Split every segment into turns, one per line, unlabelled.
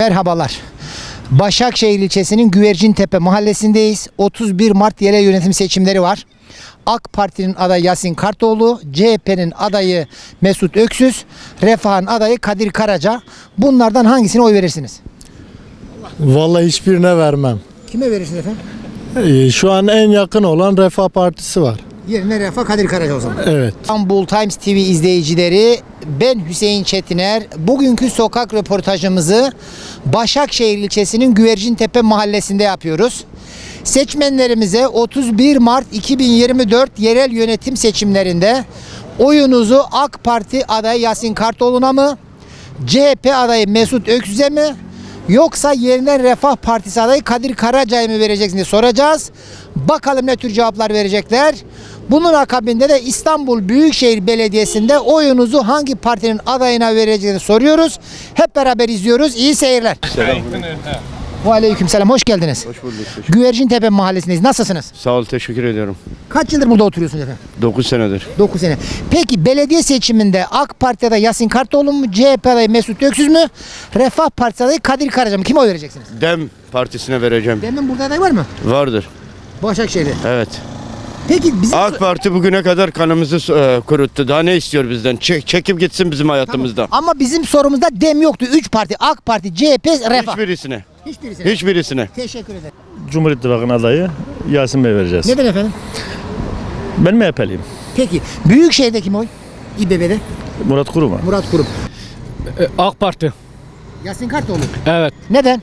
Merhabalar. Başakşehir ilçesinin Güvercintepe mahallesindeyiz. 31 Mart yerel yönetim seçimleri var. AK Parti'nin adayı Yasin Kartoğlu, CHP'nin adayı Mesut Öksüz, Refah'ın adayı Kadir Karaca. Bunlardan hangisine oy verirsiniz?
Vallahi hiçbirine vermem.
Kime verirsiniz efendim?
Şu an en yakın olan Refah Partisi var.
Yerine Refah, Kadir Karaca o zaman.
Evet.
İstanbul Times TV izleyicileri, ben Hüseyin Çetiner. Bugünkü sokak röportajımızı Başakşehir ilçesinin Güvercintepe mahallesinde yapıyoruz. Seçmenlerimize 31 Mart 2024 yerel yönetim seçimlerinde oyunuzu AK Parti adayı Yasin Kartoğlu'na mı, CHP adayı Mesut Öksüz'e mi, yoksa yerine Refah Partisi adayı Kadir Karaca'ya mı vereceksiniz diye soracağız. Bakalım ne tür cevaplar verecekler. Bunun akabinde de İstanbul Büyükşehir Belediyesi'nde oyunuzu hangi partinin adayına vereceğini soruyoruz. Hep beraber izliyoruz. İyi seyirler. Aleykümselam. Hoş geldiniz.
Hoş bulduk.
Güvercintepe mahallesindeyiz. Nasılsınız?
Sağ ol, teşekkür ediyorum.
Kaç yıldır burada oturuyorsunuz efendim?
9 senedir.
9 sene. Peki belediye seçiminde AK Parti adayı Yasin Kartoğlu mu, CHP adayı Mesut Öksüz mü, Refah Partisi adayı Kadir Karaca mı? Kime oy vereceksiniz?
Dem Partisi'ne vereceğim.
Demin burada aday var mı?
Vardır.
Başakşehir'de.
Evet.
Peki bizim...
AK Parti bugüne kadar kanımızı kuruttu. Daha ne istiyor bizden? Çekip gitsin bizim hayatımızda.
Ama bizim sorumuzda dem yoktu. 3 parti. AK Parti, CHP, Refah.
Hiçbirisine.
Hiçbirisine.
Hiçbirisine.
Teşekkür ederim.
Cumhur İttifakı'nın adayı Yasin Bey vereceğiz.
Neden efendim?
Ben MHP'liyim.
Peki. Büyükşehir'de kim oy? İBB'de.
Murat Kurum.
Murat Kurum.
AK Parti.
Yasin Kartoğlu.
Evet.
Neden?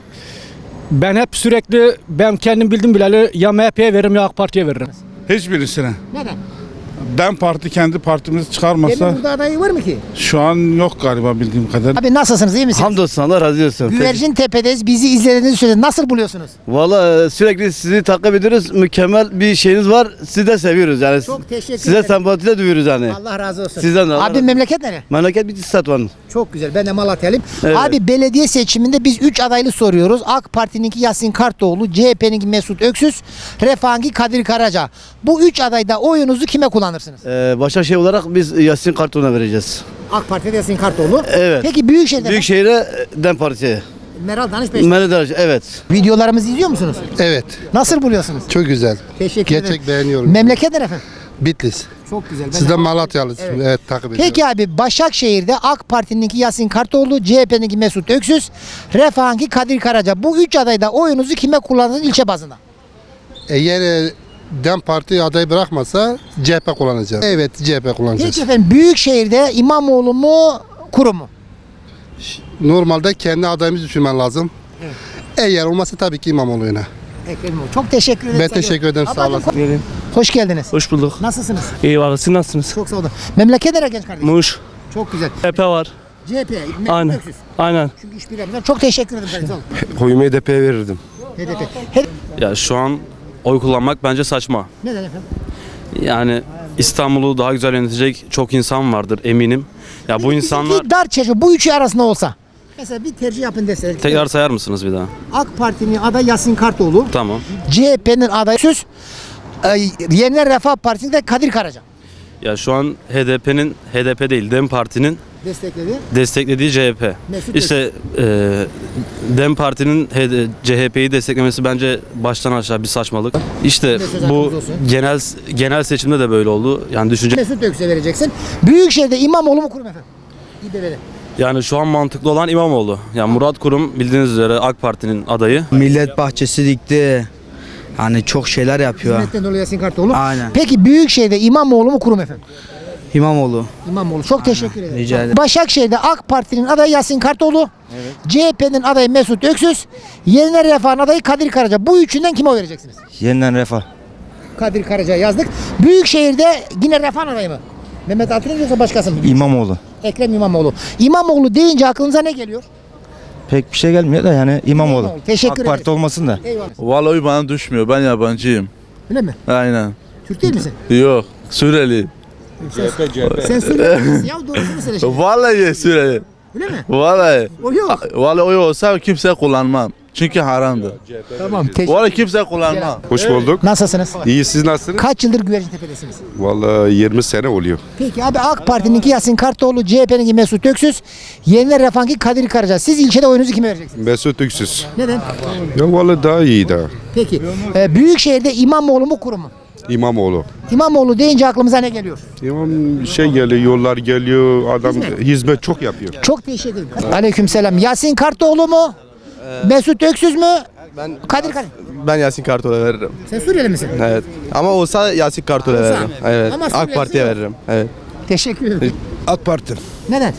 Ben kendim bildim bileli ya MHP'ye veririm ya AK Parti'ye veririm.
Hiçbirisine.
Neden?
DEM Parti kendi partimizi
Demin
çıkarmasa
burada adayı var mı ki?
şu an yok galiba bildiğim kadarıyla.
Abi nasılsınız? İyi misiniz?
Hamdolsun, Allah razı olsun.
Güvercintepe'deyiz. Bizi izlediğinizi söylediniz. Nasıl buluyorsunuz?
Valla sürekli sizi takip ediyoruz. Mükemmel bir şeyiniz var. Sizi de seviyoruz yani.
Çok teşekkür
Size
ederim.
sempati duyuyoruz yani.
Allah razı olsun.
Sizden de Allah razı
Abi
olsun.
memleket nere?
Memleket Bitlis Satvan.
Çok güzel. Ben de Malatyalıyım.
Evet.
Abi belediye seçiminde biz 3 adaylı soruyoruz. AK Parti'ninki Yasin Kartoğlu, CHP'ninki Mesut Öksüz, Refah'ınki Kadir Karaca. Bu 3 adayda oyunuzu kime kullanırsınız?
Başakşehir olarak biz Yasin Kartoğlu'na vereceğiz.
AK Parti'de Yasin Kartoğlu.
Evet.
Peki Büyükşehir'de
Büyükşehir'e DEM Parti'ye.
Meral Danış Beş.
Meral evet.
Videolarımızı izliyor musunuz?
Evet,
Nasıl buluyorsunuz?
çok güzel.
Teşekkür ederim.
Gerçek beğeniyorum.
Memleket nere efendim?
Bitlis.
Çok güzel. Ben
Siz de
de-
Malatyalısınız.
Evet.
Evet, takip ediyorum.
Peki abi Başakşehir'de AK Parti'ninki Yasin Kartoğlu, CHP'ninki Mesut Öksüz, Refah'ınki Kadir Karaca. Bu 3 adayda oyunuzu kime kullandınız ilçe bazında?
Eğer DEM Parti adayı bırakmasa CHP kullanacağız. Evet, CHP kullanacağız.
Peki efendim Büyükşehir'de İmamoğlu mu, Kurum mu?
Normalde kendi adayımızı düşünmen lazım. Eğer olmasa tabii ki İmamoğlu'na.
Ekrem İmamoğlu. Çok teşekkür ederim.
Ben teşekkür ederim, sağ olasın.
Hoş geldiniz.
Hoş bulduk.
Nasılsınız?
Eyvallah, siz nasılsınız?
Çok sağ olun. Memleket nere genç kardeşim?
Muş.
Çok güzel.
CHP var.
CHP, Mesut
Aynen.
Öksüz.
Aynen.
Çünkü işbirliği yapıyorlar. Çok teşekkür ederim kardeşim. Sağ olun.
Oyumu HDP'ye verirdim.
HDP.
Ya şu an oy kullanmak bence saçma.
Neden efendim?
Yani İstanbul'u daha güzel yönetecek çok insan vardır eminim. Ya bu insanlar
Bir dar çerçeve bu üçü arasında olsa. Mesela bir tercih yapın desek.
tekrar sayar mısınız bir daha?
AK Parti'nin adayı Yasin Kartoğlu,
Tamam.
CHP'nin adayı Söz, Yeniler Refah Partisi'nin de Kadir Karaca.
Ya şu an HDP değil DEM Parti'nin
Destekledi.
desteklediği CHP.
Mesut
İşte DEM Parti'nin CHP'yi desteklemesi bence baştan aşağı bir saçmalık. İşte
Mesut
bu
hakkımız olsun.
genel seçimde de böyle oldu. Yani düşünce
Mesut Öksüz'e vereceksin. Büyükşehir'de İmamoğlu mu Kurum efendim? İBB'de.
yani şu an mantıklı olan İmamoğlu. Yani Murat Kurum bildiğiniz üzere AK Parti'nin adayı.
Millet bahçesi dikti. Hani çok şeyler yapıyor.
Hizmetten dolayı Yasin Kartoğlu.
Aynen.
Peki Büyükşehir'de İmamoğlu mu Kurum efendim?
İmamoğlu.
İmamoğlu. Çok teşekkür ederim.
rica ederim.
Başakşehir'de AK Parti'nin adayı Yasin Kartoğlu. CHP'nin adayı Mesut Öksüz. Yeniler Refah'ın adayı Kadir Karaca. Bu üçünden kime oy vereceksiniz?
Yeniden Refah.
Kadir Karaca'ya yazdık. Büyükşehir'de yine Refah'ın adayı mı? Mehmet Atilla yoksa başkası mı?
İmamoğlu.
Ekrem İmamoğlu. İmamoğlu deyince aklınıza ne geliyor?
Pek bir şey gelmiyor da yani İmamoğlu.
Teşekkür ederim.
olmasın da.
Eyvallah.
Vallahi bana düşmüyor. Ben yabancıyım.
Öyle mi?
Aynen.
Türk değil misin?
Yok. Suriyeli.
Sen Suriyelisin ya doğrusunu söyle şimdi.
Vallahi Suriyeli.
Öyle mi?
Vallahi.
O yok.
Vallahi o olsa kimse kullanmam. Çünkü haramdır.
Tamam.
Vallahi kimse kullanmaz.
Hoş bulduk.
Nasılsınız?
İyi, siz nasılsınız?
Kaç yıldır Güvercintepe'desiniz?
Vallahi 20 sene oluyor.
Peki abi AK Parti'ninki Yasin Kartoğlu, CHP'ninki Mesut Öksüz, Yeniler Refah'ınki Kadir Karaca. Siz ilçede oyunuzu kime vereceksiniz?
Mesut Öksüz.
Neden?
Ya vallahi daha iyi daha.
Peki. Büyükşehir'de İmamoğlu mu kurum mu?
İmamoğlu.
İmamoğlu deyince aklımıza ne geliyor?
İmam şey geliyor, yollar geliyor, adam hizmet çok yapıyor.
Çok teşekkür ederim. Aleykümselam. Yasin Kartoğlu mu? Mesut Öksüz mü? Kadir Karaca.
Ben Yasin Kartal'a veririm.
Sen Suriyeli misin?
Evet. Ama olsa Yasin Kartal'a
Olsa.
veririm. Evet.
Ama
AK
Suriyelisi
Parti'ye
yok.
veririm. Evet.
Teşekkür ederim.
AK Parti.
Neden?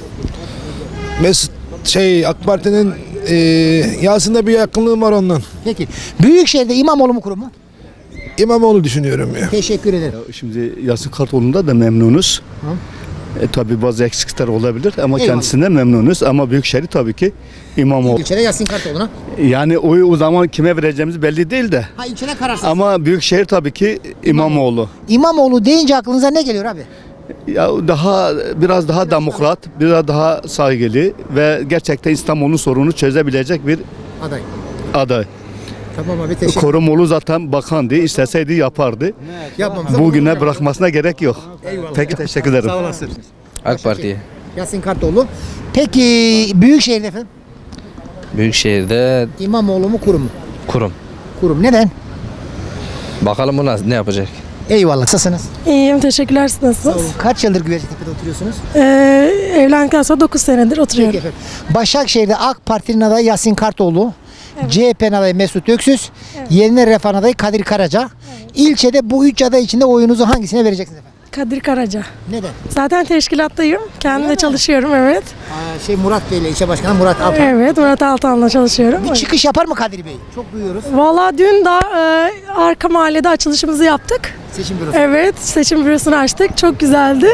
AK Parti'nin Yasin'de bir yakınlığım var ondan.
Peki. Büyükşehir'de İmamoğlu mu kurum mu?
İmamoğlu düşünüyorum ya.
Teşekkür ederim.
Şimdi Yasin Kartoğlu'nda da memnunuz. Tabii bazı eksiklikler olabilir ama
Eyvallah.
kendisinden memnunuz. Ama Büyükşehir tabii ki İmamoğlu.
İlçede Yasin Kartoğlu'na.
Yani oyu o zaman kime vereceğimiz belli değil de.
Ha ilçede kararsız.
Ama Büyükşehir tabii ki İmamoğlu.
İmamoğlu deyince aklınıza ne geliyor abi?
Ya biraz daha demokrat, biraz daha saygılı ve gerçekten İstanbul'un sorununu çözebilecek bir
Aday.
aday.
Tamam abi teşekkür ederim.
Korumoğlu zaten bakandı, isteseydi yapardı.
Yapmamıza
Bugüne bırakmasına gerek yok.
Eyvallah.
Peki teşekkür ederim.
AK Parti'ye.
Yasin Kartoğlu. Peki Büyükşehir'de efendim?
Büyükşehir'de
İmamoğlu mu kurum mu?
kurum.
Kurum. Neden?
Bakalım bu ne yapacak?
Eyvallah. Nasılsınız?
İyiyim, teşekkürler. Siz nasılsınız?
Kaç yıldır Güvercintepe'de oturuyorsunuz?
Evlendikten sonra 9 senedir
Peki
oturuyorum.
efendim. Başakşehir'de AK Parti'nin adayı Yasin Kartoğlu. CHP'nin adayı Mesut Öksüz. Yeniler Refah'ın adayı Kadir Karaca. İlçede bu üç aday içinde oyunuzu hangisine vereceksiniz efendim?
Kadir Karaca.
Neden?
Zaten teşkilattayım. Kendim de çalışıyorum, evet.
Murat Bey ile ilçe başkanı Murat Alpan.
Evet, Murat Altan'la çalışıyorum.
Bir çıkış yapar mı Kadir Bey? Çok duyuyoruz.
Valla dün daha arka mahallede açılışımızı yaptık.
Seçim bürosu.
Evet, seçim bürosunu açtık. Çok güzeldi.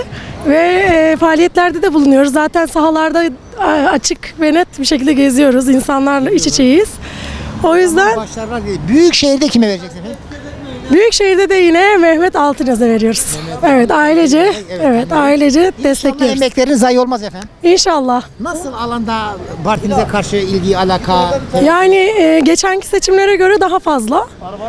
Ve faaliyetlerde de bulunuyoruz. Zaten sahalarda açık ve net bir şekilde geziyoruz. İnsanlarla iç içeyiz. O yüzden
Başlarlar değil. Büyükşehir'de kime vereceksiniz efendim?
Büyükşehir'de de yine Mehmet Altınöz'e veriyoruz. Evet, ailece. Evet, ailece
İnşallah
destekliyoruz.
emekleriniz zayi olmaz efendim.
İnşallah.
Nasıl alanda partinize karşı ilgi, alaka?
Yani geçenki seçimlere göre daha fazla.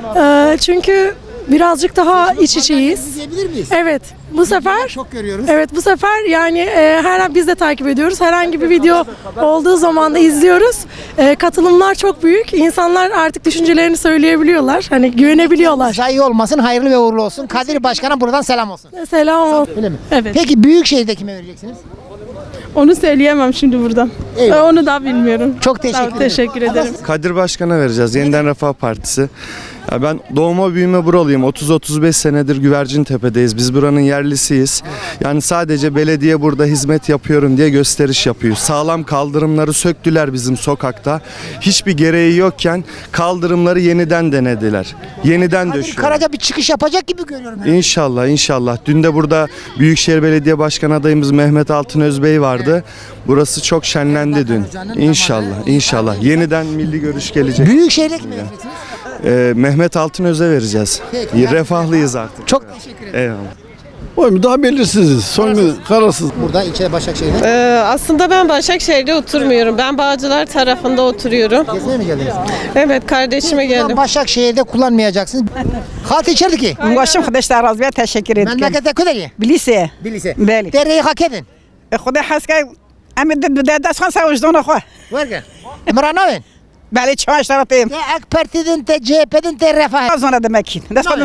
Çünkü birazcık daha iç içeyiz.
Diyebilir miyiz?
Evet, bu sefer
Çok görüyoruz.
evet bu sefer yani her an biz de takip ediyoruz. Herhangi bir video olduğu zaman da izliyoruz. Katılımlar çok büyük. İnsanlar artık düşüncelerini söyleyebiliyorlar. Hani güvenebiliyorlar.
Zayi olmasın, hayırlı ve uğurlu olsun. Kadir Başkan'a buradan selam olsun.
Selam olsun.
Öyle mi?
Evet.
Peki Büyükşehir'de kime vereceksiniz?
Onu söyleyemem şimdi burada.
Eyvallah.
Onu da bilmiyorum.
Çok teşekkür ederim.
Teşekkür ederim.
Kadir Başkan'a vereceğiz. Yeniden Refah Partisi. Ya ben doğma büyüme buralıyım. 30-35 senedir Güvercintepe'deyiz. Biz buranın yerlisiyiz. Yani sadece belediye burada hizmet yapıyorum diye gösteriş yapıyor. Sağlam kaldırımları söktüler bizim sokakta. Hiçbir gereği yokken kaldırımları yeniden denediler. Yeniden
Kadir
döşüyor.
Karaca bir çıkış yapacak gibi görüyorum.
İnşallah, inşallah. Dün de burada Büyükşehir Belediye Başkan adayımız Mehmet Altınöz Bey vardı. Burası çok şenlendi dün. İnşallah, inşallah. Yeniden milli görüş gelecek.
Büyükşehir'de kime vereceksiniz?
Mehmet Altınöz'e vereceğiz.
Peki.
Refahlıyız artık.
Çok teşekkür ederim.
Eyvallah.
Oyum daha belirsiz. Kararsız.
Burada ilçede Başakşehir'de.
Aslında ben Başakşehir'de oturmuyorum. Ben Bağcılar tarafında oturuyorum.
Gezmeye mi geldiniz?
Evet, kardeşime geldim.
Başakşehir'de kullanmayacaksınız. Halk içerdi ki.
Başım arkadaşlar razıya teşekkür
Memlekette ködeyi.
Bilise.
Bilise.
Beli.
Dereyi hak edin.
Xuda haska emin de dest خمسة وجدون أخوه.
Verge. Emranavin.
بله چهار طرفیم.
Te AK Parti'den te CHP'den te Refah.
زونه دمكين.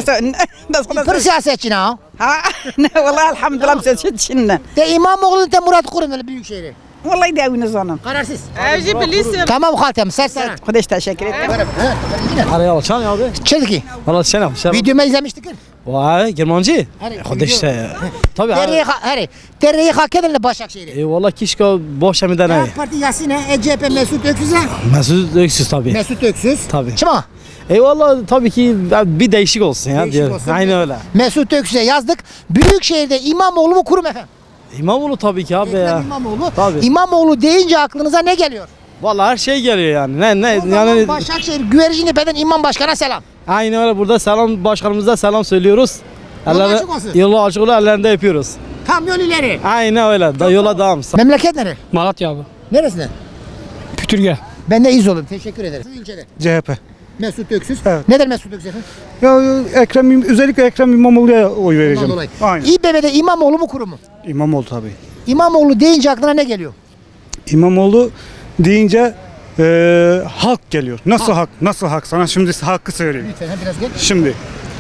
دست
Pır siyasetçi ha.
ها والله الحمد لله مسجد شنن.
Te İmamoğlu'nun te Murat Kurum öyle Büyükşehir'i.
والله يداوي نزونم.
Kararsız.
أجي بليس.
Tamam haltem sersen.
خدش teşekkür ederim.
Araya çan abi.
Çelki.
Valla sen abi.
Videomu izlemiştik.
Vay Germancı.
Hani
Hadi işte. Tabii
Dereyi Dereyi hak edin Başakşehir'i.
Valla keşke boş bir tane.
AK Parti Yasin'e, CHP Mesut Öksüz'e.
Mesut Öksüz tabii.
Mesut Öksüz.
Tabii.
Çıma.
Eyvallah tabii ki bir değişik olsun ya.
Değişik olsun.
Aynen öyle.
Mesut Öksüz'e yazdık. Büyükşehir'de İmamoğlu mu kurum efendim?
İmamoğlu tabii ki abi ya.
Ekrem İmamoğlu.
Tabii.
İmamoğlu deyince aklınıza ne geliyor?
Valla her şey geliyor yani. Ne
O zaman
yani
Başakşehir Güvercintepe'den İmam Başkan'a selam.
aynen öyle burada selam başkanımıza selam söylüyoruz.
Yolu açık olsun.
Yolu açık olsun, ellerinde yapıyoruz.
Tam yol ileri.
Aynen öyle. Da yola devam.
Memleket nere?
Malatya abi.
Neresinden?
Pütürge.
Ben de İzol'um. Teşekkür ederim. Siz ilçede.
CHP.
Mesut Öksüz.
Evet.
Neden Mesut Öksüz efendim?
Ya özellikle Ekrem İmamoğlu'ya oy
Ondan dolayı.
Aynen.
İBB'de İmamoğlu mu kurum mu?
İmamoğlu tabii.
İmamoğlu deyince aklına ne geliyor?
İmamoğlu deyince halk geliyor. Nasıl hak? Nasıl hak? Sana şimdi hakkı söyleyeyim.
Lütfen biraz gel.
Şimdi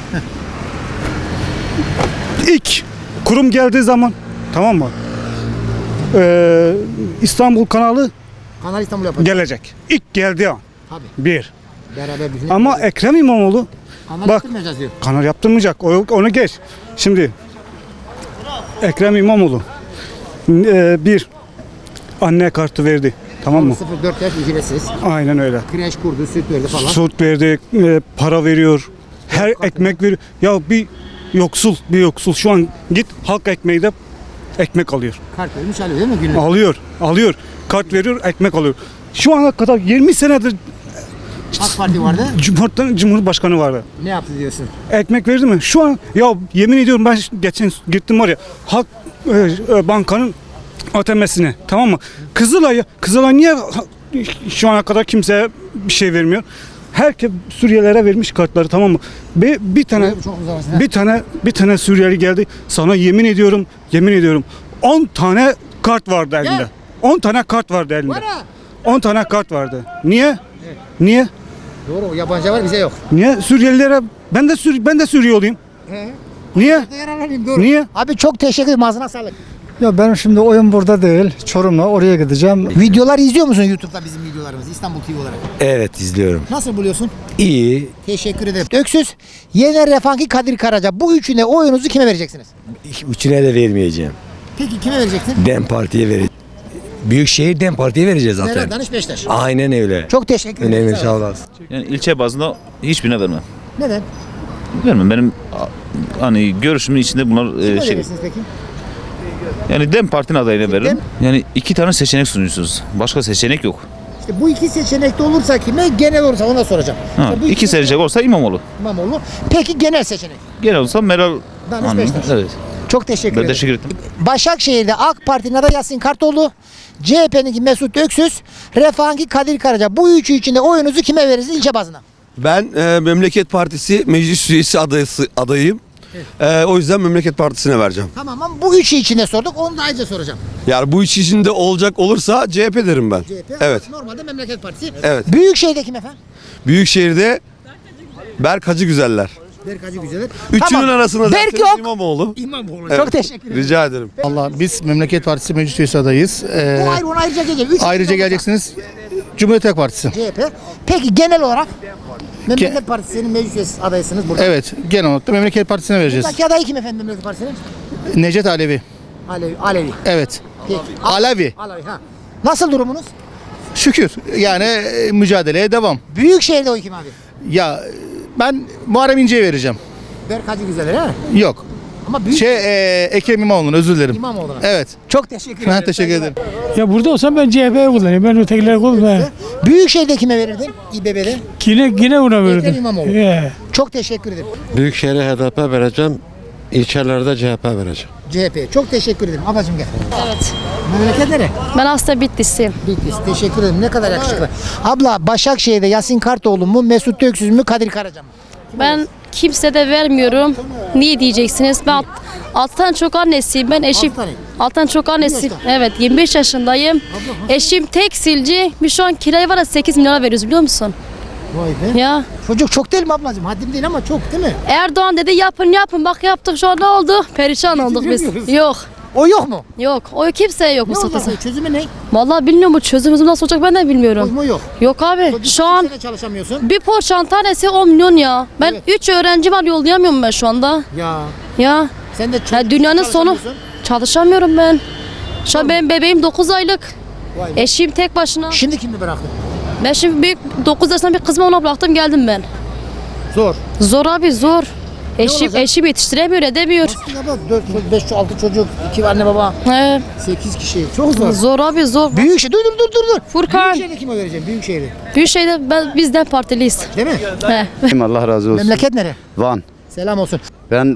ilk kurum geldiği zaman, tamam mı? İstanbul kanalı
Kanal İstanbul yapacak.
gelecek. İlk geldiği an.
Tabii.
Bir.
Beraber bütün.
Ama Ekrem İmamoğlu
kanal
bak-
yaptırmayacağız diyor.
kanal yaptırmayacak. Onu geç. Şimdi Ekrem İmamoğlu bir anne kartı verdi. Tamam mı?
0-4 yaş ücretsiz.
Aynen öyle.
Kreş kurdu, süt verdi falan.
Süt verdi, para veriyor. Her ekmek veriyor. Ya bir yoksul şu an git halk ekmeği de ekmek alıyor.
Kart vermiş alıyor değil mi günlük?
Alıyor. Kart veriyor, ekmek alıyor. Şu ana kadar 20 senedir
AK Parti vardı.
Cumhurbaşkanı vardı.
Ne yaptı diyorsun?
Ekmek verdi mi? Şu an ya yemin ediyorum ben geçen gittim oraya. Halk bankanın ATM'sine, tamam mı? Kızılay niye şu ana kadar kimseye bir şey vermiyor? Herkes Suriyelilere vermiş kartları, tamam mı? Bir tane
Çok uzarsın.
bir tane Suriyeli geldi. Sana yemin ediyorum 10 tane kart vardı elinde.
Gel.
10 tane kart vardı elinde.
Var ha.
10 tane kart vardı. Niye? Niye?
Doğru, yabancı var bize yok.
Niye Suriyelilere ben de Suriyeliyim. Niye?
Yararlanayım doğru.
Niye?
Abi çok teşekkür ederim. Ağzına sağlık.
Ya benim şimdi oyun burada değil. Çorum'la oraya gideceğim.
Videolar izliyor musun YouTube'da bizim videolarımızı İstanbul TV olarak?
Evet izliyorum.
Nasıl buluyorsun?
İyi.
Teşekkür ederim. Öksüz, Yener Refahki, Kadir Karaca. Bu üçüne oyunuzu kime vereceksiniz?
Üçüne de vermeyeceğim.
Peki kime vereceksin?
DEM Parti'ye vereceğim. Büyükşehir DEM Parti'ye vereceğiz
Meral
zaten.
Danış Beşiktaş.
Aynen öyle.
Çok teşekkür ederim.
Önemli,
Sağ ol.
sağ olasın.
Yani ilçe bazında hiçbirine vermem.
Neden?
Vermem. Benim hani görüşümün içinde bunlar
Kime verirsiniz peki?
yani DEM Parti'nin adayına veririm.
DEM-
Yani iki tane seçenek sunuyorsunuz. Başka seçenek yok.
İşte bu iki seçenekte olursa kime, genel olursa ona soracağım.
Ha,
İşte bu
iki seçenek olsa İmamoğlu.
İmamoğlu. Peki genel seçenek.
Genel olsa Meral
Danış
Hanım.
Beşiktaş.
Evet.
Çok teşekkür
Ben
ederim.
teşekkür ettim.
Başakşehir'de AK Parti'nin adayı Yasin Kartoğlu, CHP'ninki Mesut Öksüz, Refah'ınki Kadir Karaca. Bu üçü içinde oyunuzu kime verirsiniz ilçe bazına?
Ben Memleket Partisi meclis üyesi adayıyım. O yüzden Memleket Partisi'ne vereceğim.
Tamam ama bu üçü içinde sorduk. Onu da ayrıca soracağım.
Yani bu iş içinde olacak olursa CHP derim ben.
CHP.
Evet.
Normalde Memleket Partisi.
Evet.
Büyükşehir'de kim efendim?
Büyükşehir'de Berk Hacı Güzeller.
Berkacı Güzeler.
Üçünün arasında
Berk
zaten
yok.
İmamoğlu.
İmamoğlu.
Evet.
Çok teşekkür ederim.
Rica ederim.
Allah biz Memleket Partisi meclis üyesi adayız.
Bu ayrı, ona ayrıca geleceğim. Üç
Ayrıca
içinde
geleceksiniz Cumhuriyet Halk Partisi.
CHP. Peki genel olarak Memleket Partisi'nin meclis üyesi adaysınız burada.
Evet, genel olarak da Memleket Partisi'ne vereceğiz.
Buradaki adayı kim efendim Memleket Partisi'nin?
Necdet Alevi.
Alevi.
Evet.
Peki.
Alevi.
Alevi ha. Nasıl durumunuz?
Şükür. Yani mücadeleye devam.
Büyükşehir'de oy kim abi?
Ya ben Muharrem İnce'ye vereceğim.
Berkacı Güzeler ha?
Yok.
Ama büyük
Ekrem İmamoğlu'na özür dilerim.
İmamoğlu'na.
Evet.
Çok teşekkür ederim.
Ben teşekkür ederim.
Ya burada olsam ben CHP'ye kullanayım. Ben ötekileri kullanayım.
Büyükşehir'de kime verirdin? İBB'de.
Yine buna
Ekrem İmamoğlu. Çok teşekkür ederim.
Büyükşehir'e HDP vereceğim. İlçelerde CHP vereceğim.
CHP. Çok teşekkür ederim. Ablacığım gel.
Evet.
Memleket nere?
Ben aslında Bitlisliyim.
Bitlis. Teşekkür ederim. Ne kadar yakışıklı. Abla Başakşehir'de Yasin Kartoğlu mu, Mesut Öksüz mü, Kadir Karaca mı?
Ben kimse de vermiyorum. Niye diyeceksiniz? Ben alttan çok annesiyim. Ben eşim.
Altı tane.
Alttan çok annesiyim. Evet 25 yaşındayım. Eşim tekstilci. Biz şu an kirayı var ya 8 milyona veriyoruz biliyor musun?
Vay be.
Ya
Çocuk çok değil mi ablacığım? Haddim değil ama çok değil mi?
Erdoğan dedi yapın. Bak yaptık şu an ne oldu? Perişan olduk biz.
Geçinemiyoruz.
Yok.
O yok mu?
Yok. O kimseye yok
Ne
Mustafa.
olacak? Çözümü ne?
Vallahi bilmiyorum bu çözümümüz nasıl olacak ben de bilmiyorum.
Çözümü yok.
Yok abi.
Çocuk
Şu an
sene çalışamıyorsun.
bir poğaçanın tanesi 10 milyon ya. Ben
Evet.
3 öğrenci var yollayamıyorum ben şu anda.
Ya
Ya.
sen de çok
Ya dünyanın sonu.
çalışamıyorsun.
Çalışamıyorum ben. Şu an benim bebeğim 9 aylık.
Vay be.
Eşim tek başına.
Şimdi kimi bıraktın?
Ben şimdi büyük 9 yaşında bir kızımı ona bıraktım geldim ben.
Zor.
Zor abi zor.
olacak?
Eşim yetiştiremiyor edemiyor.
Aslında bak 4, 5, 6 çocuk, 2 anne baba,
He,
8 kişi. Çok zor.
zor abi zor.
Büyükşehir, dur.
Furkan.
Büyükşehir'de kime vereceğim? Büyükşehir'de.
Büyükşehir'de bizden partiliyiz.
Değil mi?
He.
Allah razı olsun.
Memleket nere?
Van.
Selam olsun.
Ben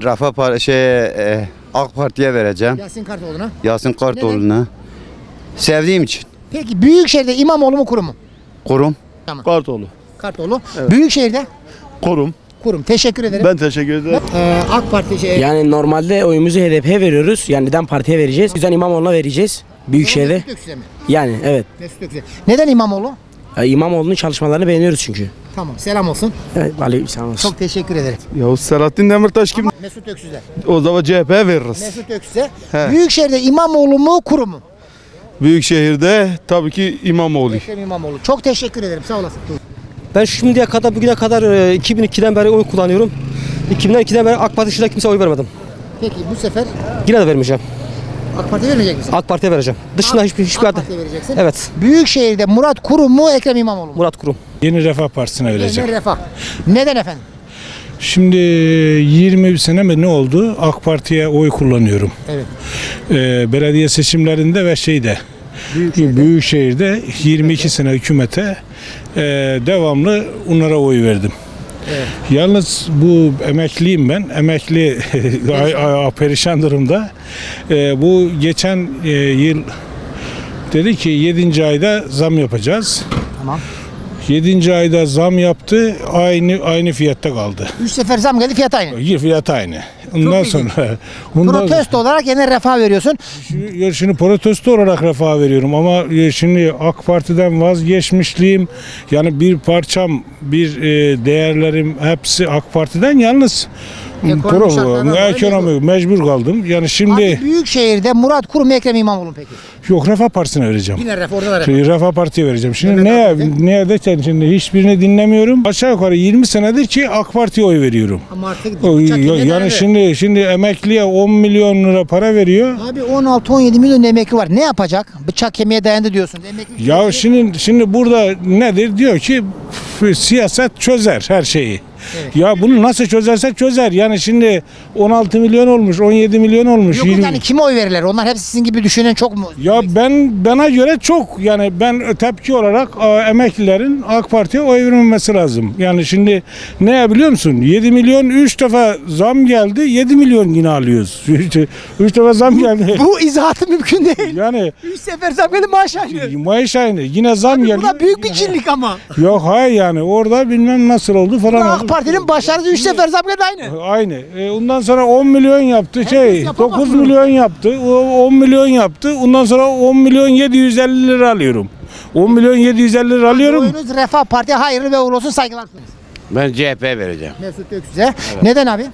AK Parti'ye vereceğim.
Yasin Kartoğlu'na.
Yasin Kartoğlu'na. Sevdiğim için.
Peki Büyükşehir'de İmamoğlu mu kurum mu?
Kurum.
Tamam.
Kartoğlu.
Kartoğlu. Büyükşehir'de
Kurum.
kurum. Teşekkür ederim.
Ben teşekkür ederim.
AK Parti
Yani normalde oyumuzu HDP'ye veriyoruz. Yani neden partiye vereceğiz? Bizden İmamoğlu'na vereceğiz. Büyükşehir'de.
Mesut Öksüz'e mi?
Yani evet.
Mesut Öksüz'e. Neden İmamoğlu?
İmamoğlu'nun çalışmalarını beğeniyoruz çünkü.
Tamam. Selam olsun.
Evet, aleykümselam olsun.
Çok teşekkür ederim.
Yavuz Selahattin Demirtaş kim?
Mesut Öksüz'e.
O zaman CHP'ye veririz.
Mesut Öksüz'e. Büyükşehir'de İmamoğlu mu kurum mu?
Büyükşehir'de tabii ki İmamoğlu.
Ekrem İmamoğlu. Çok teşekkür ederim. Sağ olasın.
Ben şimdiye kadar bugüne kadar 2002'den beri oy kullanıyorum. 2002'den beri AK Parti dışında kimseye oy vermedim.
Peki bu sefer
Yine de vermeyeceğim.
AK Parti vermeyecek misin?
AK Parti'ye vereceğim. Dışında hiçbir
AK
aday.
Parti'ye vereceksin.
Evet.
Büyükşehir'de Murat Kurum mu Ekrem İmamoğlu mu?
Murat Kurum.
Yeni Refah Partisi'ne
Yeniden Refah. Neden efendim?
Şimdi 20 sene mi ne oldu? AK Parti'ye oy kullanıyorum.
Evet.
Belediye seçimlerinde ve Büyükşehir'de 22 sene hükümete devamlı onlara oy verdim.
Evet.
Yalnız bu emekliyim ben. Emekli perişan durumda. Bu geçen yıl dedi ki 7. ayda zam yapacağız.
Tamam.
7. ayda zam yaptı. Aynı fiyatta kaldı.
3 sefer zam geldi, fiyat aynı.
Fiyat aynı. Ondan sonra
Protesto olarak yeniden Refah veriyorsun.
Şimdi protesto olarak Refah veriyorum ama şimdi AK Parti'den vazgeçmişliğim, yani bir parçam, bir değerlerim hepsi AK Parti'den, yalnız
Ekonomi şartlarından dolayı
mecbur kaldım. Yani şimdi
Abi Büyükşehir'de Murat Kurum Ekrem İmamoğlu peki?
yok, Refah Partisi'ne vereceğim.
Yine Refah, orada da Refah.
Refah Parti'ye vereceğim. Şimdi
Mehmet
ne derken şimdi hiçbirini dinlemiyorum. Aşağı yukarı 20 senedir ki AK Parti'ye oy veriyorum.
Ama artık
Yani şimdi emekliye 10 milyon lira para veriyor.
Abi 16-17 milyon emekli var. Ne yapacak? Bıçak kemiğe dayandı diyorsun. Emekli
Ya şimdi burada nedir? Diyor ki siyaset çözer her şeyi.
Evet.
Ya bunu nasıl çözerse çözer. Yani şimdi 16 milyon olmuş, 17 milyon olmuş.
Yok yani kime oy verirler? Onlar hepsi sizin gibi düşünen çok mu?
Ya bana göre çok, yani ben tepki olarak emeklilerin AK Parti'ye oy vermemesi lazım. Yani şimdi ne biliyor musun? 7 milyon 3 defa zam geldi, 7 milyon yine alıyoruz. 3 defa zam geldi.
Bu izahatı mümkün değil.
Yani
3 sefer zam geldi, maaş aynı.
maaş aynı. Yine zam
Abi
geldi.
bu da büyük bir cinlik ama.
Yok hayır, yani orada bilmem nasıl oldu falan.
AK Parti'nin başarısı 3 sefer zam geldi aynı.
Aynı. Ondan sonra 10 milyon yaptı.
yapamaz
9
bunu.
milyon yaptı. 10 milyon yaptı. Ondan sonra 10 milyon 750 lira alıyorum. 10 milyon 750 lira alıyorum.
Oyunuz Refah Parti'ye hayırlı ve uğurlu olsun, saygılar sunarız.
Ben CHP'ye vereceğim.
Mesut Öksüz'e. Neden abi?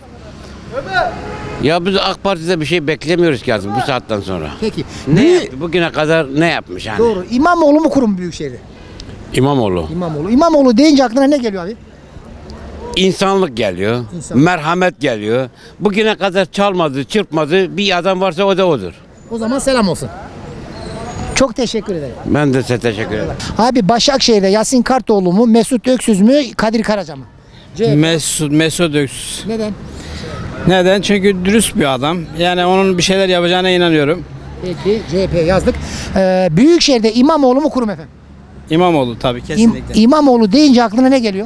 Ya biz AK Parti'de bir şey beklemiyoruz ki bu saatten sonra.
Peki.
Bugüne kadar ne yapmış yani?
Doğru. İmamoğlu mu kurum Büyükşehir'de?
İmamoğlu.
İmamoğlu. İmamoğlu deyince aklına ne geliyor abi?
İnsanlık geliyor,
İnsanlık.
merhamet geliyor. Bugüne kadar çalmadı, çırpmadı bir adam varsa o da odur.
O zaman selam olsun. Çok teşekkür ederim.
Ben de size teşekkür ederim.
Abi Başakşehir'de Yasin Kartoğlu mu, Mesut Öksüz mü, Kadir Karaca mı?
Mesut Öksüz.
Neden?
Neden? Çünkü dürüst bir adam. Yani onun bir şeyler yapacağına inanıyorum.
Peki CHP yazdık. Büyükşehir'de İmamoğlu mu kurum efendim?
İmamoğlu tabii kesinlikle.
İmamoğlu deyince aklına ne geliyor?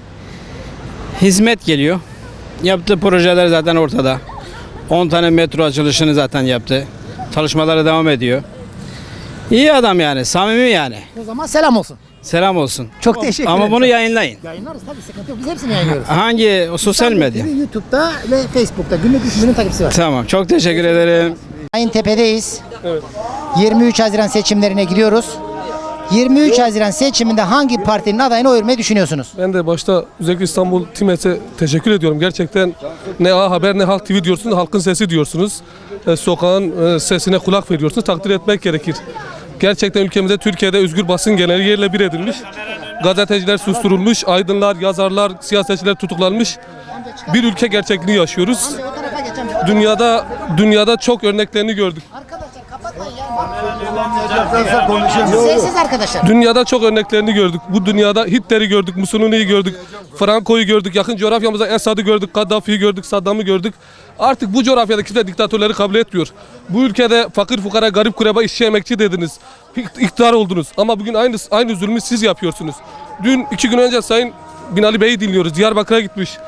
Hizmet geliyor. Yaptığı projeler zaten ortada. 10 tane metro açılışını zaten yaptı. Çalışmaları devam ediyor. İyi adam yani, samimi yani.
O zaman selam olsun.
Selam olsun.
Çok teşekkür ederim.
Ama bunu yayınlayın.
Yayınlarız tabii, sıkıntı yok. Biz hepsini yayınlıyoruz.
Hangi o sosyal medya?
YouTube'da ve Facebook'ta günlük 3 milyon takipçisi var.
Tamam, çok teşekkür ederim.
Ayıntepe'deyiz. 23 Haziran seçimlerine gidiyoruz. 23 Haziran seçiminde hangi partinin adayına oy vermeyi düşünüyorsunuz?
Ben de başta özellikle İstanbul Timet'e teşekkür ediyorum. Gerçekten ne A Haber ne Halk TV diyorsunuz, halkın sesi diyorsunuz. Sokağın sesine kulak veriyorsunuz. Takdir etmek gerekir. Gerçekten ülkemizde, Türkiye'de özgür basın genel yerle bir edilmiş. Gazeteciler susturulmuş, aydınlar, yazarlar, siyasetçiler tutuklanmış. Bir ülke gerçekliğini yaşıyoruz. Dünyada çok örneklerini gördük.
Sessiz arkadaşlar.
Dünyada çok örneklerini gördük. Bu dünyada Hitler'i gördük, Mussolini'yi gördük, Franco'yu gördük, yakın coğrafyamızda Esad'ı gördük, Kaddafi'yi gördük, Saddam'ı gördük. Artık bu coğrafyada kimse diktatörleri kabul etmiyor. Bu ülkede fakir fukara, garip kureba, işçi emekçi dediniz. İktidar oldunuz. Ama bugün aynı zulmü siz yapıyorsunuz. Dün 2 gün önce Sayın Binali Bey'i dinliyoruz. Diyarbakır'a gitmiş.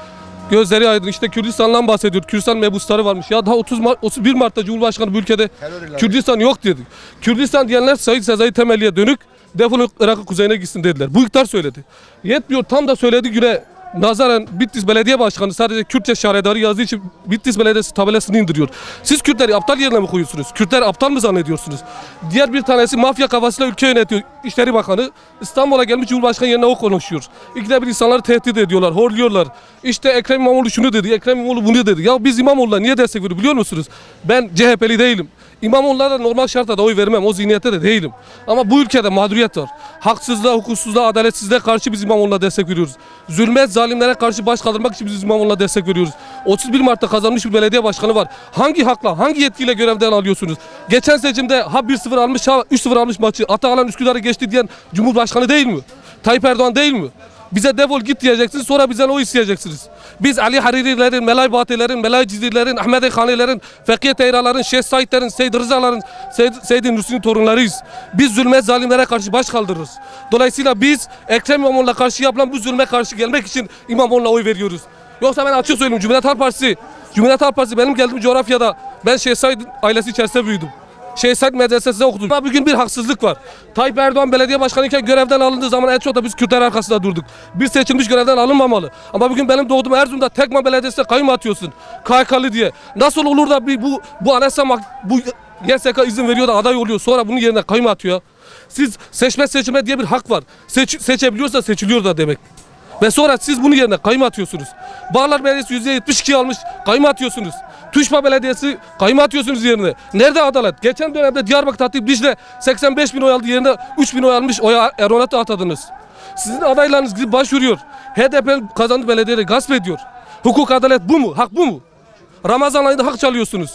Gözleri aydın. İşte Kürdistan'dan bahsediyor. Kürdistan mebusları varmış. Ya daha 31 Mart'ta Cumhurbaşkanı bu ülkede Kürdistan yok dedi. Kürdistan diyenler Said Sezai Temelli'ye dönük defolun Irak'ın kuzeyine gitsin dediler. Bu iktidar söyledi. Yetmiyor, tam da söylediği güne nazaran Bitlis Belediye Başkanı sadece Kürtçe şaredarı yazdığı için Bitlis Belediyesi tabelasını indiriyor. Siz Kürtleri aptal yerine mi koyuyorsunuz? Kürtleri aptal mı zannediyorsunuz? Diğer bir tanesi mafya kafasıyla ülke yönetiyor. İşleri Bakanı İstanbul'a gelmiş Cumhurbaşkanı yerine o konuşuyor. İkide bir insanları tehdit ediyorlar, horluyorlar. İşte Ekrem İmamoğlu şunu dedi, Ekrem İmamoğlu bunu dedi. Ya biz İmamoğlu'na niye destek veriyoruz biliyor musunuz? Ben CHP'li değilim. İmamoğlu'na da normal şartta da oy vermem. O zihniyette de değilim. Ama bu ülkede mağduriyet var. Haksızlığa, hukuksuzluğa, adaletsizliğe karşı biz İmamoğlu'na destek veriyoruz. Zulme, zalimlere karşı baş kaldırmak için biz İmamoğlu'na destek veriyoruz. 31 Mart'ta kazanmış bir belediye başkanı var. Hangi hakla, hangi yetkiyle görevden alıyorsunuz? Geçen seçimde ha 1-0 almış, ha 3-0 almış maçı. Atalan Üsküdar'ı geçti diyen Cumhurbaşkanı değil mi? Tayyip Erdoğan değil mi? Bize defol git diyeceksiniz, sonra bizden o isteyeceksiniz. Biz Ali Hariri'lerin, Melay Batilerin, Melay Cizirlerin, Ahmet Khani'lerin, Fekiye Teyra'ların, Şeyh Said'lerin, Seyyid Rıza'ların, Seyyid Nursi'nin torunlarıyız. Biz zulme, zalimlere karşı baş kaldırırız. Dolayısıyla biz Ekrem İmamoğlu'na karşı yapılan bu zulme karşı gelmek için İmamoğlu'na oy veriyoruz. Yoksa ben açık söyleyeyim, Cumhuriyet Halk Partisi benim geldiğim coğrafyada, ben Şeyh Said ailesi içerisinde büyüdüm. Şeyh Said medresesinde okudum. Ama bugün bir haksızlık var. Tayyip Erdoğan belediye başkanıyken görevden alındığı zaman en çok da biz Kürtler arkasında durduk. Bir seçilmiş görevden alınmamalı. Ama bugün benim doğduğum Erzurum'da Tekman Belediyesi'ne kayyum atıyorsun. KHK'lı diye. Nasıl olur da bu anayasa bu YSK izin veriyor da aday oluyor, sonra bunun yerine kayyum atıyor. Siz seçme diye bir hak var. Seçebiliyorsa seçiliyor da demek. Ve sonra siz bunun yerine kayyum atıyorsunuz. Bağlar Belediyesi %72 almış, kayyum atıyorsunuz. Tuşba Belediyesi kayyum atıyorsunuz yerine. Nerede adalet? Geçen dönemde Diyarbakır Hatip Dicle 85 bin oy aldı, yerine 3 bin oy almış, oya Erdoğan'a atadınız. Sizin adaylarınız gidip başvuruyor. HDP kazandı, belediyeleri gasp ediyor. Hukuk, adalet bu mu? Hak bu mu? Ramazan ayında hak çalıyorsunuz.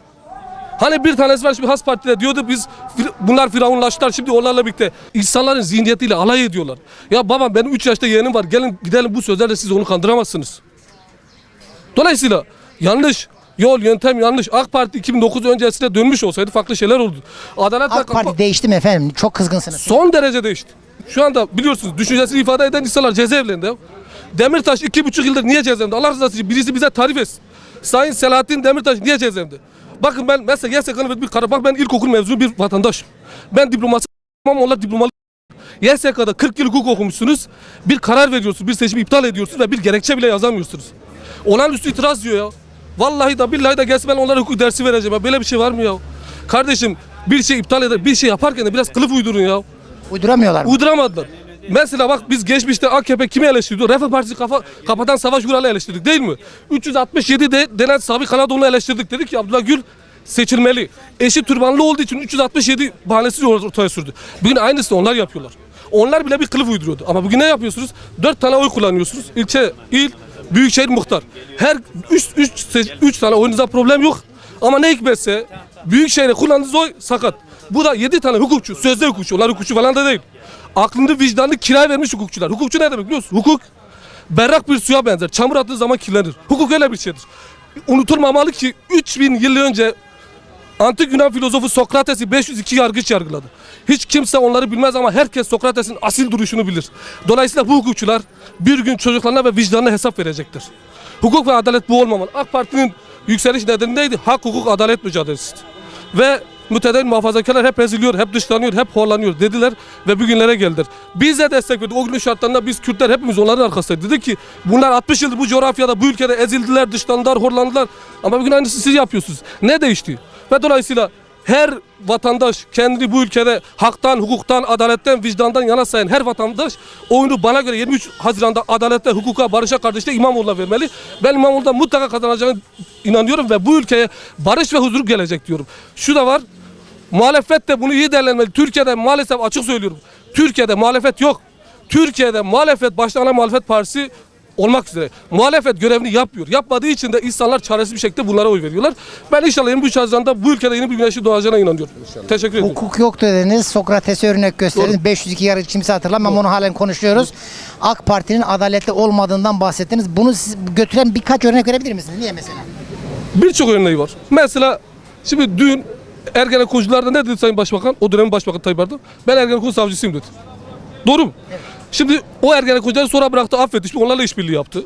Hani bir tanesi var şimdi Has Parti'de diyordu, bunlar firavunlaştılar, şimdi onlarla birlikte insanların zihniyetiyle alay ediyorlar. Ya babam, benim 3 yaşta yeğenim var, gelin gidelim, bu sözlerle siz onu kandıramazsınız. Dolayısıyla yanlış yol, yöntem yanlış. AK Parti 2009 öncesine dönmüş olsaydı farklı şeyler oldu.
AK Parti değişti mi efendim? Çok kızgınsınız.
Son derece değişti. Şu anda biliyorsunuz düşüncesini ifade eden insanlar cezaevlerinde. Demirtaş 2,5 yıldır niye cezaevinde? Allah rızası için birisi bize tarif etsin. Sayın Selahattin Demirtaş niye cezaevinde? Bakın ben mesela YSK'nın bir karar, bak ben ilkokul mezunu bir vatandaşım. Ben diploması ama onlar diplomalı. YSK'da 40 yıl hukuk okumuşsunuz. Bir karar veriyorsunuz, bir seçimi iptal ediyorsunuz ve bir gerekçe bile yazamıyorsunuz. Olağanüstü itiraz diyor ya. Vallahi da billahi da gelsin, ben onlara hukuk dersi vereceğim ya. Böyle bir şey var mı ya? Kardeşim, bir şey iptal eder, bir şey yaparken de biraz kılıf uydurun ya.
Uyduramıyorlar mı?
Uyduramadılar. Mesela bak, biz geçmişte AKP kimi eleştirdi? Refah Partisi kapatan Savaş Vural'ı eleştirdik değil mi? 367 denen Sabri Kanadoğlu'nu eleştirdik. Dedik ki Abdullah Gül seçilmeli. Eşi türbanlı olduğu için 367 bahanesi ortaya sürdü. Bugün aynısını onlar yapıyorlar. Onlar bile bir kılıf uyduruyordu. Ama bugün ne yapıyorsunuz? 4 tane oy kullanıyorsunuz. İlçe, il, büyükşehir, muhtar. Her 3 tane oyunuzda problem yok. Ama ne hikmetse büyükşehir'e kullandığınız oy sakat. Bu da 7 tane hukukçu, sözde hukukçu. Onlar hukukçu falan da değil. Aklını vicdanını kiraya vermiş hukukçular. Hukukçu ne demek biliyor musun? Hukuk berrak bir suya benzer. Çamur attığı zaman kirlenir. Hukuk öyle bir şeydir. Unutulmamalı ki 3000 yıl önce antik Yunan filozofu Sokrates'i 502 yargıç yargıladı. Hiç kimse onları bilmez ama herkes Sokrates'in asil duruşunu bilir. Dolayısıyla bu hukukçular bir gün çocuklarına ve vicdanına hesap verecektir. Hukuk ve adalet bu olmamalı. AK Parti'nin yükseliş nedeni neydi? Hak, hukuk, adalet mücadelesidir. Ve mütedeyyin muhafazakarlar hep eziliyor, hep dışlanıyor, hep horlanıyor dediler ve bugünlere geldiler. Biz de destek verdik. O günün şartlarında biz Kürtler hepimiz onların arkasındaydık. Dedik ki bunlar 60 yıldır bu coğrafyada, bu ülkede ezildiler, dışlandılar, horlandılar. Ama bugün aynısı siz yapıyorsunuz. Ne değişti? Ve dolayısıyla her vatandaş kendini bu ülkede haktan, hukuktan, adaletten, vicdandan yana sayan her vatandaş oyunu bana göre 23 Haziran'da adalette, hukuka, barışa, kardeşliğe İmamoğlu'na vermeli. Ben İmamoğlu'nda mutlaka kazanacağını inanıyorum ve bu ülkeye barış ve huzur gelecek diyorum. Şu da var, muhalefet de bunu iyi değerlendirmeli. Türkiye'de maalesef, açık söylüyorum, Türkiye'de muhalefet yok. Türkiye'de muhalefet, başta ana muhalefet partisi olmak üzere muhalefet görevini yapmıyor. Yapmadığı için de insanlar çaresiz bir şekilde bunlara oy veriyorlar. Ben inşallah 23 Haziran'da bu ülkede yeni bir güneşin doğacağına inanıyorum. İnşallah. Teşekkür ederim.
Hukuk yok dediniz. Sokrates'e örnek gösterdiniz. 502 yargıç kimse hatırlamam ama onu halen konuşuyoruz. AK Parti'nin adaletli olmadığından bahsettiniz. Bunu siz götüren birkaç örnek verebilir misiniz? Niye mesela?
Birçok örneği var. Mesela şimdi dün Ergenekoncularda ne dedi Sayın Başbakan? O dönemin Başbakanı Tayyip Erdoğan. Ben Ergenekon savcısıyım dedi. Doğru mu? Evet. Şimdi o Ergenekoncuları sonra bıraktı, affetti. Şimdi onlarla işbirliği yaptı.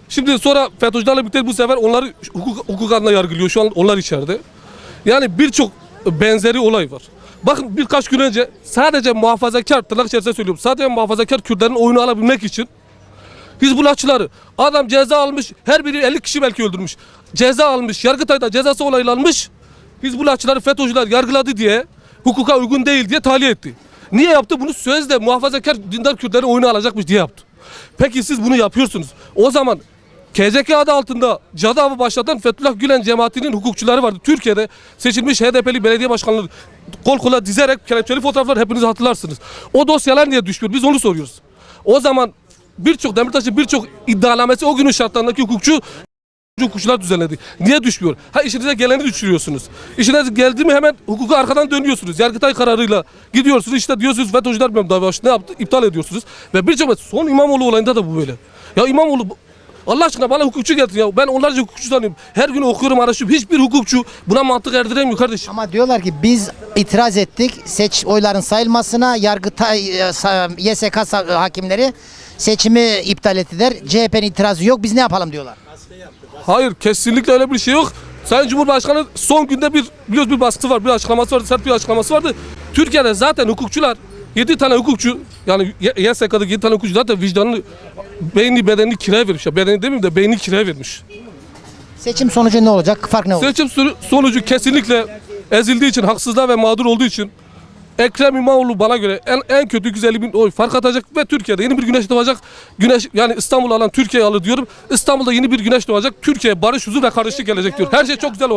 Şimdi sonra FETÖ'cülerle birlikte bu sefer onları hukuk adına yargılıyor. Şu an onlar içeride. Yani birçok benzeri olay var. Bakın birkaç gün önce sadece muhafazakar, tırnak içerisinde söylüyorum, sadece muhafazakar Kürtlerin oyunu alabilmek için Hizbullahçıları, adam ceza almış, her biri 50 kişi belki öldürmüş. Ceza almış, Yargıtay'da cezası onaylanmış. Hizbullahçıları FETÖ'cüler yargıladı diye, hukuka uygun değil diye tahliye etti. Niye yaptı? Bunu sözde muhafazakar dindar Kürtlerin oyunu alacakmış diye yaptı. Peki siz bunu yapıyorsunuz. O zaman KCK adı altında cadı avı başlatan Fethullah Gülen cemaatinin hukukçuları vardı. Türkiye'de seçilmiş HDP'li belediye başkanları kol kola dizerek kelepçeli fotoğraflar hepiniz hatırlarsınız. O dosyalar niye düşmüyor? Biz onu soruyoruz. O zaman Demirtaş'ın birçok iddianamesi o günün şartlarındaki hukukçular düzenledi. Niye düşmüyor? Ha, işinize geleni düşürüyorsunuz. İşinize geldi mi hemen hukuku arkadan dönüyorsunuz. Yargıtay kararıyla gidiyorsunuz, işte diyorsunuz FETÖ'cüler bilmem ne yaptı, iptal ediyorsunuz. Ve birçok son İmamoğlu olayında da bu böyle. Ya İmamoğlu, Allah aşkına bana hukukçu getirin ya. Ben onlarca hukukçu tanıyorum. Her gün okuyorum, araştırıyorum. Hiçbir hukukçu buna mantık erdiremiyor kardeşim.
Ama diyorlar ki biz itiraz ettik oyların sayılmasına, Yargıtay, YSK hakimleri seçimi iptal ettiler. CHP'nin itirazı yok, biz ne yapalım diyorlar.
Hayır, kesinlikle öyle bir şey yok. Sayın Cumhurbaşkanı son günde bir baskısı var, bir açıklaması vardı, sert bir açıklaması vardı. Türkiye'de zaten hukukçular, 7 tane hukukçu, yani YSK'daki 7 tane hukukçu zaten vicdanını, beynini, bedenini kiraya vermiş. Ya bedeni demeyeyim de beynini kiraya vermiş.
Seçim sonucu ne olacak? Fark ne olacak?
Seçim sonucu kesinlikle ezildiği için, haksızlığa ve mağdur olduğu için Ekrem İmamoğlu bana göre en kötü 150.000 oy fark atacak ve Türkiye'de yeni bir güneş doğacak. Yani İstanbul'u alan Türkiye'yi alır diyorum. İstanbul'da yeni bir güneş doğacak. Türkiye'ye barış, huzur ve kardeşlik gelecek diyor. Her şey çok güzel olacak.